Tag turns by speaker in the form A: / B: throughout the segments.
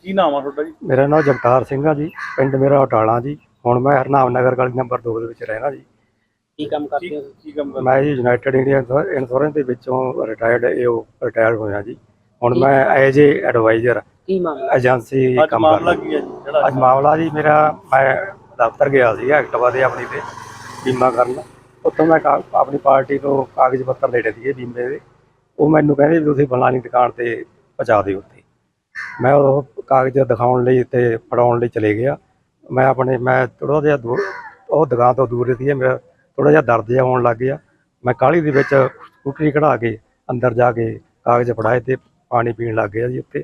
A: ਕੀ ਨਾਮ ਆ ਤੁਹਾਡਾ ਜੀ?
B: ਮੇਰਾ ਨਾਮ ਜਗਤਾਰ ਸਿੰਘ ਆ ਜੀ। ਪਿੰਡ ਮੇਰਾ ਅਟਾਲਾ ਜੀ। ਹੁਣ ਮੈਂ ਹਰਨਾਮ ਨਗਰ ਗਲੀ ਨੰਬਰ 2 ਦੇ ਵਿੱਚ ਰਹਿਣਾ ਜੀ।
A: ਕੀ ਕੰਮ ਕਰਦੇ ਹੋ? ਕੀ ਕੰਮ ਕਰਦੇ?
B: ਮੈਂ ਜੀ ਯੂਨਾਈਟਿਡ ਇੰਡੀਆ ਇੰਸ਼ੋਰੈਂਸ ਦੇ ਵਿੱਚੋਂ ਰਿਟਾਇਰਡ ਹੋਇਆ ਜੀ। ਹੁਣ ਮੈਂ ਐਜ ਏ ਐਡਵਾਈਜ਼ਰ
A: ਕੀ ਮਾਮਲਾ
B: ਏਜੰਸੀ ਕੰਮ
A: ਮਾਮਲਾ
B: ਕਰਦਾ।
A: ਕੀ ਹੈ ਜੀ ਜਿਹੜਾ
B: ਅੱਜ ਮਾਮਲਾ ਜੀ ਮੇਰਾ, ਮੈਂ ਦਫ਼ਤਰ ਗਿਆ ਸੀ ਐਕਟਿਵਾ ਦੇ ਆਪਣੀ ਤੇ ਬੀਮਾ ਕਰਨ। ਉੱਥੋਂ ਮੈਂ ਆਪਣੀ ਪਾਰਟੀ ਤੋਂ ਕਾਗਜ਼ ਪੱਤਰ ਲੈਣੇ ਸੀਗੇ ਬੀਮੇ ਦੇ। ਉਹ ਮੈਨੂੰ ਕਹਿੰਦੇ ਵੀ ਤੁਸੀਂ ਫਲਾਣੀ ਦੁਕਾਨ ਤੇ ਪਹੁੰਚਾ ਦਿਓ ਉੱਥੇ। ਮੈਂ ਉਹ ਕਾਗਜ਼ ਦਿਖਾਉਣ ਲਈ ਤੇ ਫੜਾਉਣ ਲਈ ਚਲੇ ਗਿਆ। ਮੈਂ ਥੋੜ੍ਹਾ ਜਿਹਾ ਉਹ ਦੁਕਾਨ ਤੋਂ ਦੂਰ ਸੀ। ਮੇਰਾ ਥੋੜ੍ਹਾ ਜਿਹਾ ਦਰਦ ਜਿਹਾ ਹੋਣ ਲੱਗ ਗਿਆ। ਮੈਂ ਕਾਹਲੀ ਦੇ ਵਿੱਚ ਸਕੂਟਰੀ ਕਢਾ ਕੇ ਅੰਦਰ ਜਾ ਕੇ ਕਾਗਜ਼ ਫੜਾਏ ਤੇ ਪਾਣੀ ਪੀਣ ਲੱਗ ਗਿਆ ਜੀ। ਉੱਥੇ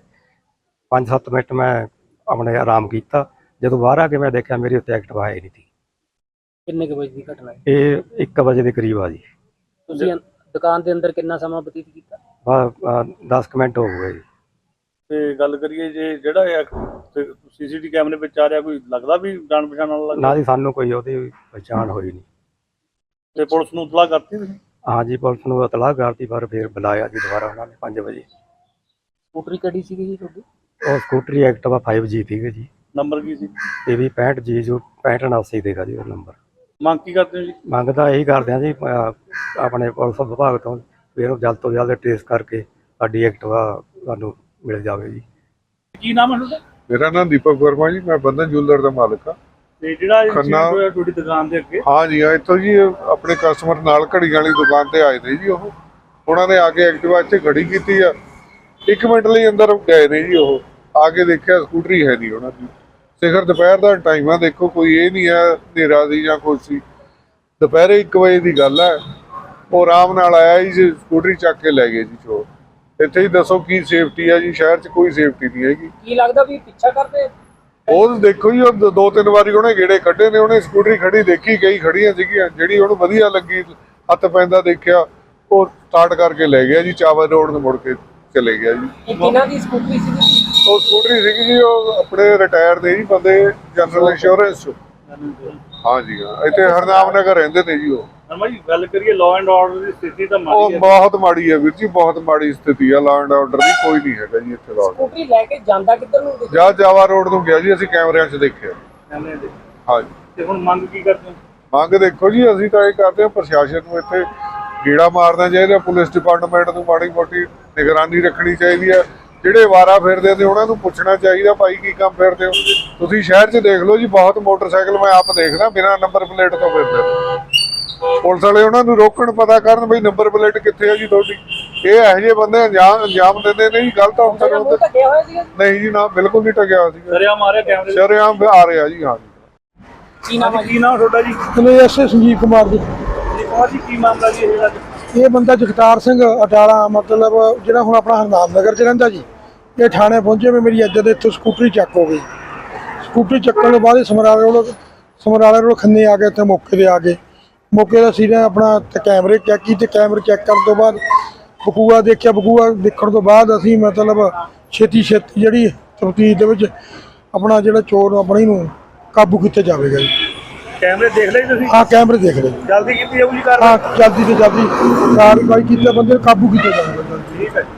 B: 5-7 ਮਿੰਟ ਮੈਂ ਆਪਣੇ ਆਰਾਮ ਕੀਤਾ। ਜਦੋਂ ਬਾਹਰ ਆ ਕੇ ਮੈਂ ਦੇਖਿਆ ਮੇਰੀ ਉੱਤੇ ਐਕਟਿਵਾ ਆਈ ਨਹੀਂ ਸੀ।
A: ਕਿੰਨੇ ਕੁ ਵਜੇ ਦੀ ਘਟਨਾ ਹੈ?
B: ਇਹ 1 ਵਜੇ ਦੇ ਕਰੀਬ ਆ ਜੀ।
A: ਤੁਸੀਂ ਦੁਕਾਨ ਦੇ ਅੰਦਰ ਕਿੰਨਾ ਸਮਾਂ ਬਤੀਤ ਕੀਤਾ?
B: 10 ਮਿੰਟ ਹੋ ਗਏ ਜੀ।
A: ਤੇ ਗੱਲ ਕਰੀਏ ਜੇ ਜਿਹੜਾ ਸੀਸੀਟੀ ਕੈਮਰੇ ਵਿੱਚ ਆ ਰਿਹਾ, ਕੋਈ ਲੱਗਦਾ ਵੀ ਜਾਣ ਪਛਾਣ ਵਾਲਾ
B: ਨਾ ਜੀ, ਸਾਨੂੰ ਕੋਈ ਉਹਦੀ ਪਛਾਣ ਹੋਈ ਨਹੀਂ।
A: ਤੇ ਪੁਲਿਸ ਨੂੰ ਇਤਲਾਹ ਕਰਤੀ ਤੁਸੀਂ?
B: ਹਾਂ ਜੀ, ਪੁਲਿਸ ਨੂੰ ਇਤਲਾਹ ਕਰਤੀ, ਪਰ ਫਿਰ ਬੁਲਾਇਆ ਜੀ ਦੁਬਾਰਾ ਉਹਨਾਂ ਨੇ 5 ਵਜੇ।
A: ਸਕੂਟਰੀ ਕਿਹੜੀ ਸੀਗੀ ਜੀ ਤੁਹਾਡੀ?
B: ਉਹ ਸਕੂਟਰੀ ਐਕਟਿਵਾ 5G ਸੀਗੇ ਜੀ।
A: ਨੰਬਰ ਕੀ ਸੀ?
B: ਇਹ ਵੀ 65G ਜੋ 6589 ਦੇਗਾ ਜੀ ਉਹ ਨੰਬਰ।
A: ਮੰਗ ਕੀ ਕਰਦੇ ਹੋ ਜੀ?
B: ਮੰਗ ਤਾਂ ਇਹੀ ਕਰਦੇ ਹਾਂ ਜੀ ਆਪਣੇ ਪੁਲਿਸ ਵਿਭਾਗ ਤੋਂ ਵੀ ਇਹਨੂੰ ਜਲਦ ਤੋਂ ਜਲਦ ਟ੍ਰੇਸ ਕਰਕੇ ਸਾਡੀ ਐਕਟਿਵਾ ਸਾਨੂੰ ਮਿਲ ਜਾਵੇ ਜੀ।
A: ਕੀ ਨਾਮ ਹੈ ਤੁਹਾਡਾ?
C: ਮੇਰਾ ਨਾਮ ਦੀਪਕ ਵਰਮਾ ਜੀ। ਮੈਂ ਬੰਧਨ ਜੁਐਲਰ ਦਾ ਮਾਲਕ ਹਾਂ।
A: ਤੇ ਜਿਹੜਾ
C: ਖੰਨਾ
A: ਹੋਇਆ ਤੁਹਾਡੀ ਦੁਕਾਨ ਦੇ ਅੱਗੇ?
C: ਹਾਂ ਜੀ, ਇੱਥੋਂ ਜੀ ਆਪਣੇ ਕਸਟਮਰ ਨਾਲ ਘੜੀਆਂ ਵਾਲੀ ਦੁਕਾਨ ਤੇ ਆਏ ਨੇ ਜੀ। ਉਹਨਾਂ ਨੇ ਆ ਕੇ ਐਕਟਿਵਾ ਇੱਥੇ ਖੜੀ ਕੀਤੀ ਆ। 1 ਮਿੰਟ ਲਈ ਅੰਦਰ ਗਏ ਨੇ ਜੀ। ਉਹ ਆ ਕੇ ਦੇਖਿਆ ਸਕੂਟਰੀ ਹੈ ਨਹੀਂ ਉਹਨਾਂ ਦੀ। ਸਿਖਰ ਦੁਪਹਿਰ ਦਾ ਟਾਈਮ ਆ, ਦੇਖੋ ਕੋਈ ਇਹ ਨਹੀਂ ਹੈ ਹਨੇਰਾ ਦੀ ਜਾਂ ਕੁਛ ਸੀ। ਦੁਪਹਿਰੇ 1 ਵਜੇ ਦੀ ਗੱਲ ਹੈ। ਉਹ ਆਰਾਮ ਨਾਲ ਆਇਆ ਜੀ, ਸਕੂਟਰੀ ਚੱਕ ਕੇ ਲੈ ਗਏ ਜੀ ਚੋਰ। ਇੱਥੇ ਹੀ ਦੱਸੋ ਕੀ ਸੇਫਟੀ ਹੈ ਜੀ? ਸ਼ਹਿਰ 'ਚ ਕੋਈ ਸੇਫਟੀ ਨਹੀਂ ਹੈਗੀ।
A: ਕੀ ਲੱਗਦਾ ਵੀ ਪਿੱਛਾ ਕਰਦੇ?
C: ਉਹ ਦੇਖੋ ਜੀ, ਉਹ 2-3 ਵਾਰੀ ਉਹਨੇ ਗੇੜੇ ਕੱਢੇ ਨੇ। ਉਹਨੇ ਸਕੂਟਰੀ ਖੜੀ ਦੇਖੀ, ਕਈ ਖੜੀਆਂ ਸੀਗੀਆਂ, ਜਿਹੜੀ ਉਹਨੂੰ ਵਧੀਆ ਲੱਗੀ, ਹੱਥ ਪੈਂਦਾ ਦੇਖਿਆ, ਉਹ ਸਟਾਰਟ ਕਰਕੇ ਲੈ ਗਿਆ ਜੀ। ਚਾਵਲ ਰੋਡ ਨੂੰ ਮੁੜ ਕੇ ਚਲੇ ਗਿਆ ਜੀ।
A: ਇਹ ਕਿਹਨਾਂ ਦੀ ਸਕੂਟਰੀ ਸੀ?
C: ਉਹ ਸਕੂਟਰੀ ਸੀਗੀ ਜੀ, ਉਹ ਆਪਣੇ ਰਿਟਾਇਰ ਦੇ ਜੀ ਬੰਦੇ, ਜਨਰਲ ਇੰਸ਼ੋਰੈਂਸ 'ਚ। ਹਾਂ ਜੀ, ਹਾਂ। ਇੱਥੇ ਹਰਨਾਮ ਨਗਰ ਰਹਿੰਦੇ ਨੇ ਜੀ ਉਹ।
A: ਹਰਮਾ ਜੀ, ਗੱਲ ਕਰੀਏ ਲਾਅ ਐਂਡ ਆਰਡਰ ਦੀ ਸਥਿਤੀ ਤਾਂ
C: ਉਹ
A: ਮਾੜੀ ਹੈ।
C: ਬਹੁਤ ਮਾੜੀ ਹੈ ਵੀਰ ਜੀ, ਬਹੁਤ ਮਾੜੀ ਸਥਿਤੀ ਆ। ਲਾਅ ਐਂਡ ਆਰਡਰ ਦੀ ਕੋਈ ਨਹੀਂ ਹੈਗਾ ਜੀ ਇੱਥੇ। ਲਾਅ
A: ਸਕੂਟਰੀ ਲੈ ਕੇ ਜਾਂਦਾ ਕਿੱਧਰ ਨੂੰ?
C: ਜਾਂ ਜਾਵਾ ਰੋਡ ਨੂੰ ਗਿਆ ਜੀ, ਅਸੀਂ ਕੈਮਰਿਆਂ 'ਚ ਦੇਖਿਆ। ਹਾਂ ਜੀ।
A: ਤੇ ਹੁਣ ਮੰਗ ਕੀ ਕਰਦੇ ਹੋ?
C: ਮੰਗ ਦੇਖੋ ਜੀ, ਅਸੀਂ ਤਾਂ ਇਹ ਕਰਦੇ ਹਾਂ ਪ੍ਰਸ਼ਾਸਨ ਨੂੰ ਇੱਥੇ ਗੇੜਾ ਮਾਰਨਾ ਚਾਹੀਦਾ। ਪੁਲਿਸ ਡਿਪਾਰਟਮੈਂਟ ਨੂੰ ਮਾੜੀ ਮੋਟੀ ਨਿਗਰਾਨੀ ਰੱਖਣੀ ਚਾਹੀਦੀ ਹੈ। ਜਿਹੜੇ ਵਾਰਾ ਫਿਰਦੇ ਨੇ ਉਹਨਾਂ ਨੂੰ ਪੁੱਛਣਾ ਚਾਹੀਦਾ, ਭਾਈ ਕੀ ਕੰਮ ਫਿਰਦੇ ਹੋ ਤੁਸੀਂ? ਸ਼ਹਿਰ 'ਚ ਦੇਖ ਲਓ ਜੀ, ਬਹੁਤ ਮੋਟਰਸਾਈਕਲ ਮੈਂ ਆਪ ਦੇਖਦਾ ਬਿਨਾਂ ਨੰਬਰ ਪਲੇਟ ਤੋਂ ਫਿਰਦੇ ਨੇ। ਪੁਲਿਸ ਵਾਲੇ ਉਹਨਾਂ ਨੂੰ ਰੋਕਣ, ਪਤਾ ਕਰਨ ਬਈ ਨੰਬਰ ਪਲੇਟ ਕਿੱਥੇ ਹੈ ਜੀ ਤੁਹਾਡੀ। ਇਹ ਇਹੋ ਜਿਹੇ ਬੰਦੇ ਅੰਜਾਮ ਦਿੰਦੇ ਨੇ ਜੀ ਗਲਤ ਅਫਸਰ। ਨਹੀਂ ਜੀ, ਨਾ, ਬਿਲਕੁਲ ਨਹੀਂ ਟਕਿਆ ਸੀ। ਸ਼ਰੇਆਮ ਆ ਰਿਹਾ ਜੀ। ਹਾਂ ਜੀ।
A: ਕੀ ਨਾਮ ਤੁਹਾਡਾ ਜੀ?
D: ਐਸ ਸੰਜੀਵ ਕੁਮਾਰ ਜੀ।
A: ਜੀ ਕੀ ਮਾਮਲਾ ਜੀ
D: ਇਹ ਬੰਦਾ ਜਗਤਾਰ ਸਿੰਘ ਅਟਾਲਾ, ਮਤਲਬ ਜਿਹੜਾ ਹੁਣ ਆਪਣਾ ਹਰਨਾਮ ਨਗਰ 'ਚ ਰਹਿੰਦਾ ਜੀ। ਇਹ ਥਾਣੇ ਪਹੁੰਚੇ ਵੀ ਮੇਰੀ ਇੱਜ਼ਤ ਇੱਥੋਂ ਸਕੂਟਰੀ ਚੱਕ ਹੋ ਗਈ। ਸਕੂਟਰੀ ਚੱਕਣ ਤੋਂ ਬਾਅਦ ਸਮਰਾਲੇ ਰੋਡ ਖੰਨੇ ਆ ਗਏ। ਇੱਥੇ ਮੌਕੇ 'ਤੇ ਆ ਗਏ। ਮੌਕੇ ਦਾ ਅਸੀਂ ਨੇ ਆਪਣਾ ਕੈਮਰੇ ਚੈੱਕ ਕੀਤੇ। ਕੈਮਰੇ ਚੈੱਕ ਕਰਨ ਤੋਂ ਬਾਅਦ ਬਕੂਆ ਦੇਖਿਆ। ਬਕੂਆ ਦੇਖਣ ਤੋਂ ਬਾਅਦ ਅਸੀਂ ਮਤਲਬ ਛੇਤੀ ਜਿਹੜੀ ਤਫਤੀਸ਼ ਦੇ ਵਿੱਚ ਆਪਣਾ ਜਿਹੜਾ ਚੋਰ ਆਪਣੀ ਨੂੰ ਕਾਬੂ ਕੀਤਾ ਜਾਵੇਗਾ ਜੀ।
A: ਕੈਮਰੇ ਦੇਖ ਲਏ ਤੁਸੀਂ?
D: ਹਾਂ, ਕੈਮਰੇ ਦੇਖ ਲਏ।
A: ਜਲਦੀ ਕੀਤੀ ਜਾਊਗੀ ਕਾਰਵਾਈ?
D: ਹਾਂ, ਜਲਦੀ ਤੋਂ ਜਲਦੀ ਕਾਰਵਾਈ ਕੀਤੀ, ਬੰਦੇ ਨੂੰ ਕਾਬੂ ਕੀਤਾ ਜਾਵੇਗਾ।
A: ਠੀਕ ਹੈ।